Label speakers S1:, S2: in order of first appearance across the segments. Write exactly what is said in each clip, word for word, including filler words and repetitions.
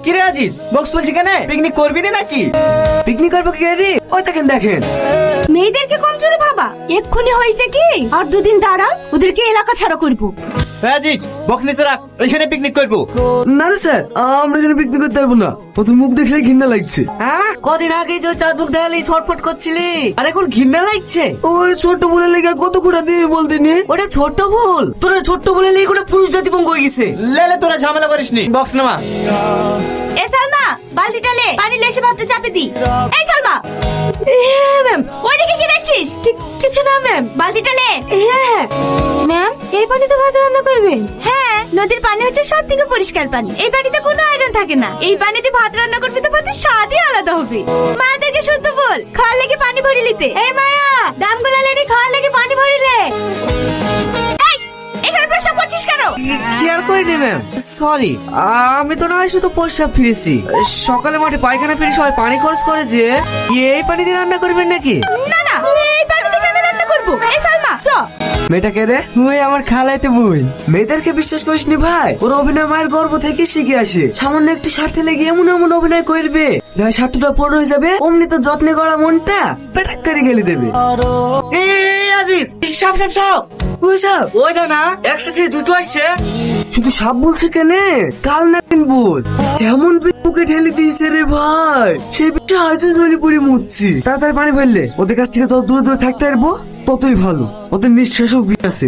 S1: কি রে আজিজ, বক্স বলছি কেন? পিকনিক করবি না নাকি?
S2: পিকনিক করবো কি রে? ওই দেখেন দেখেন
S3: মেয়েদেরকে কম চলে ভাবা, এক্ষুনি হয়েছে কি আর দুদিন দাঁড়া, ওদেরকে এলাকা ছাড়া করবো।
S1: আজিজ বক্স নিচে রাখ, ওইখানে পিকনিক করবো।
S2: না না স্যার, আমরা এখানে পিকনিক করতে পারবো না, কত মুখ দেখলে ঘৃণা লাগছে।
S4: হ্যাঁ, কদিন আগে যে চার মুখ দেখালি ছটফট করছিলি, আর এখন ঘৃণা লাগছে।
S2: ওই ছোট বলে লেগে আর কত কোটা দিয়ে বলতে নি?
S4: ওটা ছোট্ট ভুল, তোরা ছোট্ট বলে লেগে কোনো পুরুষ জাতি পঙ্গ হয়ে গেছে।
S1: লেলে তোরা ঝামেলা করিস নি, বক্স নামা।
S3: এ সালমা, বালতিটা লে, পানি লেসে ভাতটা চাপে দি। এই সালমা। হ্যাঁ ম্যাম। ওইদিকে কি দেখছিস? কিছু না ম্যাম, বালতিটা লে। হ্যাঁ ম্যাম, এই পানিতে ভাত রান্না করবেন? হ্যাঁ, নদীর পানি হচ্ছে সব থেকে পরিষ্কার পানি, এই পানিতে কোনো আয়রন থাকে না, এই পানিতে ভাত রান্না করবে তো ভাতের স্বাদই আলাদা হবে। মাদেরকে শুদ্ধ বল, খাওয়ার লেগে পানি ভরি লিতে। এই মায়া, দামগুলা লেডি খাওয়ার লেগে পানি ভরি লে। এই, এখানে প্রসাব করছিস কেন?
S4: খেয়াল করিনি ম্যাম, সরি। আমি তো না হয় শুধু প্রস্রাব ফিরেছি। সকালে মাঠে পায়খানা ফিরে সবাই পানি খরচ করে যে এই পানি দিয়ে রান্না করবেন নাকি?
S3: না না, এই পানিতে কেন রান্না করবো? এই সালমা চ।
S2: মেয়েটাকে রে, ওই আমার খালাইতে বই। মেয়েদেরকে বিশ্বাস করিস নি ভাই, ওর অভিনয় মায়ের গর্ব থেকে শিখে আসে। সামান্য একটু স্বার্থে লেগে এমন এমন অভিনয় করবে, যা স্বার্থটা পূর্ণ হয়ে যাবে, অমনি তো যত্নে গড়া মনটা পেটাক করে গেলে দেবে।
S4: এই আজিজ, সাপ সাপ সাপ।
S2: ওই সাপ,
S4: ওই দাও না, একটা ছেলে দুটো আসছে।
S2: শুধু সাপ বলছে কেনে, কাল না দিন বল এমন বুকে ঢেলে দিয়েছে রে ভাই, সে বিষয়ে আজও জ্বলে পড়ে মুচ্ছি। তাড়াতাড়ি পানি ফেললে ওদের কাছ থেকে তত দূরে দূরে থাকতে পারবো, ততই ভালো। ওদের নিঃশ্বাসও আছে।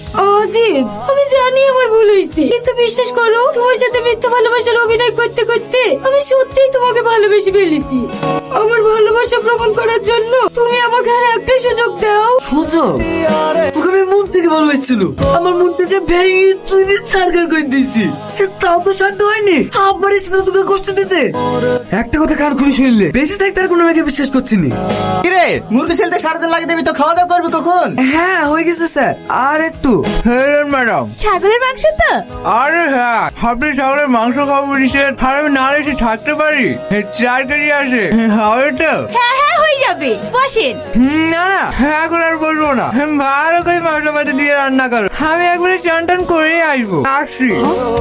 S3: আজিজ, আমি জানি আমার ভুল হয়েছে, কিন্তু বিশ্বাস করো, তোমার সাথে মিথ্যা ভালোবাসার অভিনয় করতে করতে আমি সত্যিই তোমাকে ভালোবেসে ফেলেছি। আমার ভালোবাসা প্রমাণ করার জন্য তুমি আমাকে আর একটা সুযোগ দাও।
S2: সুযোগ? তোকে আমি মন থেকে ভালোবাসছিল, আমার মন থেকে ভেঙে চুরি সার্কেল করে দিয়েছি, তাও তো শান্ত হয়নি। আবার ইচ্ছে তোকে কষ্ট দিতে। একটা কথা কার খুলে শুনলে, বেঁচে থাকতে আর কোনো মেয়েকে বিশ্বাস করছি না।
S1: কি রে, মুরগি ছেলতে সারাদিন লাগিয়ে দেবি তো, খাওয়া দাওয়া করবি কখন?
S2: হ্যাঁ হয়ে গেছে স্যার, আর একটু।
S5: ম্যাডাম,
S3: ছাগলের মাংস তো?
S5: আরে হ্যাঁ, আপনি ছাগলের মাংস খাবো বলেছেন, আর আমি না এসে থাকতে পারি? চার কেজি আছে, হবে তো?
S3: হ্যাঁ হ্যাঁ হয়ে যাবে, বসেন।
S5: হুম, না না, এখন আর বলবো না, ভালো করে মশলা পাতি দিয়ে রান্না করো, আমি একবারে চান টান করে আসবো। আসি।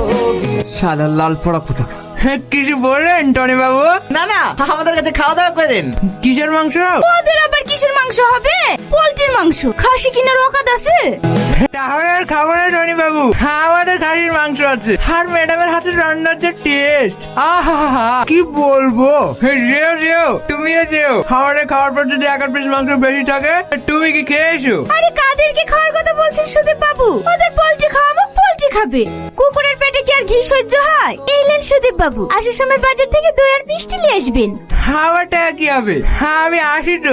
S2: সাদা লাল পড়া কোথা?
S5: কিছু বললেন টনি বাবু?
S1: না না, আমাদের কাছে খাওয়া দাওয়া করেন।
S5: কিসের মাংস?
S3: ওদের আবার কিসের মাংস হবে? পোল্ট্রির মাংস। খাসি কিনার অকাত আছে?
S5: তাহলে আর খাবো না টনি বাবু, আমাদের খাসির মাংস আছে। আর ম্যাডামের হাতে রান্নার যে টেস্ট, আহা কি বলবো। যেও যেও, তুমিও যেও, আমাদের খাওয়ার পর যদি এক পিস মাংস বেশি থাকে তুমি কি খেয়েছো?
S3: আরে কাদেরকে খাওয়ার কথা বলছেন সুদীপ বাবু? ওদের পোল্ট্রি খাওয়াবো, পোল্ট্রি খাবে। কুকুরের পেটে কি আর ঘি সহ্য হয়? এলেন সুদীপ বাবু, আসার সময় বাজার থেকে দই আর মিষ্টি নিয়ে আসবেন।
S5: খাওয়ার টাকা কি হবে? আমি আসি তো।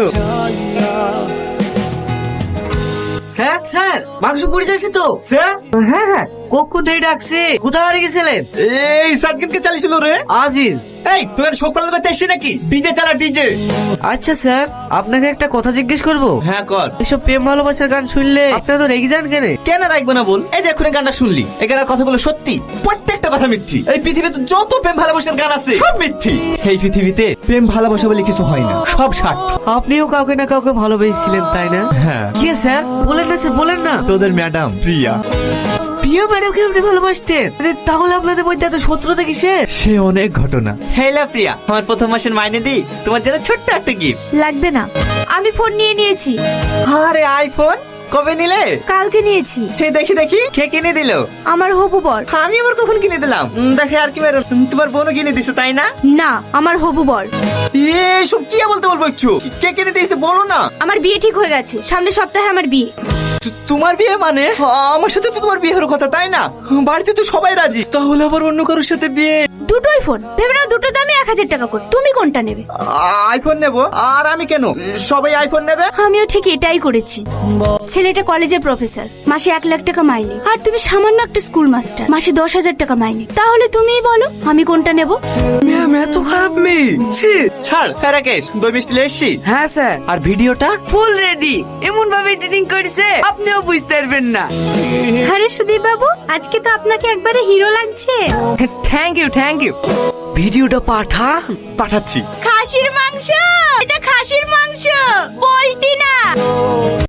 S4: স্যার স্যার, মাংস পড়ে যাচ্ছে তো।
S1: স্যার,
S4: হ্যাঁ হ্যাঁ, কখন ধরে ডাকছে, কোথায় হারিয়ে গেছিলেন?
S1: এই সার্কিটকে চালিয়েছিল রে
S4: আজিজ।
S1: এই তোর শোক পালন করতে এসছি নাকি? ডিজে চালা, ডিজে।
S4: আচ্ছা স্যার, আপনাকে একটা কথা জিজ্ঞেস করবো?
S1: হ্যাঁ কর।
S4: এসব প্রেম ভালোবাসার গান শুনলে আপনারা তো রেগে যান কেন?
S1: কেন রাখবো না বল? এই যে এখন গানটা শুনলি, এই গানের কথাগুলো সত্যি, প্রত্যেকটা কথা মিথ্যি। এই পৃথিবীতে যত প্রেম ভালোবাসার গান আছে সব মিথ্যি। এই পৃথিবীতে প্রেম ভালোবাসা বলে কিছু হয় না, সব স্বার্থ।
S4: আপনিও কাউকে না কাউকে ভালোবেসেছিলেন তাই না?
S1: হ্যাঁ।
S4: কি স্যার বলেন না, স্যার বলেন না।
S1: তোদের ম্যাডাম প্রিয়া।
S4: প্রিয় ম্যাডামকে আপনি ভালোবাসতেন? তাহলে আপনাদের মধ্যে এত শত্রুতা কিসের?
S1: সে অনেক ঘটনা। হেলা প্রিয়া, আমার প্রথম মাসের মাইনে দি, তোমার জন্য ছোট্ট একটা গিফট।
S3: লাগবে না, আমি ফোন নিয়ে নিয়েছি।
S1: আরে আইফোন কবে নিলে?
S3: কালকে নিয়েছি।
S1: হে দেখি দেখি, কে কিনে দিল?
S3: আমার হবু বর।
S1: আমি আবার কখন কিনে দিলাম? উম, দেখে আর কি বেরো, তোমার বোনও কিনে দিছে তাই না?
S3: না, আমার হবু বর।
S1: এসব কি বলতে বলবো একটু, কে কিনে দিয়েছে বলো না।
S3: আমার বিয়ে ঠিক হয়ে গেছে, সামনের সপ্তাহে আমার বিয়ে।
S1: তু- তোমার বিয়ে মানে? আমার সাথে তো তোমার বিয়ে হওয়ার কথা তাই না? বাড়িতে তো সবাই রাজি, তাহলে আবার অন্য কারোর সাথে বিয়ে?
S3: দুটোই ফোন, ভেবে নাও দুটো দামে এক হাজার টাকা করে। তুমি কোনটা নেবে?
S1: আইফোন নেব। আর আমি কেন? সবাই আইফোন নেবে।
S3: আমিও ঠিক এটাই করেছি। ছেলেটা কলেজের প্রফেসর, মাসে এক লাখ টাকা মাইনে, আর তুমি সামান্য একটা স্কুল মাস্টার, মাসে দশ হাজার টাকা মাইনে। তাহলে তুমিই বলো আমি কোনটা নেব?
S2: ম্যাম এত খারাপ মেয়ে। ছি।
S1: ছাড়। হ্যাঁ রাকেশ, দই মিষ্টি নিয়ে এসছি।
S2: হ্যাঁ স্যার,
S1: আর ভিডিওটা?
S2: Full ready. এমন ভাবে এডিটিং করেছে আপনিও বুঝতে পারবেন না।
S3: আরে সুদীপ বাবু, আজকে তো আপনাকে একবারে হিরো লাগছে।
S2: Thank you thank you. ভিডিওটা পাঠা।
S1: পাঠাচ্ছি।
S3: খাসির মাংস, এটা খাসির মাংস, পোল্ট্রি না।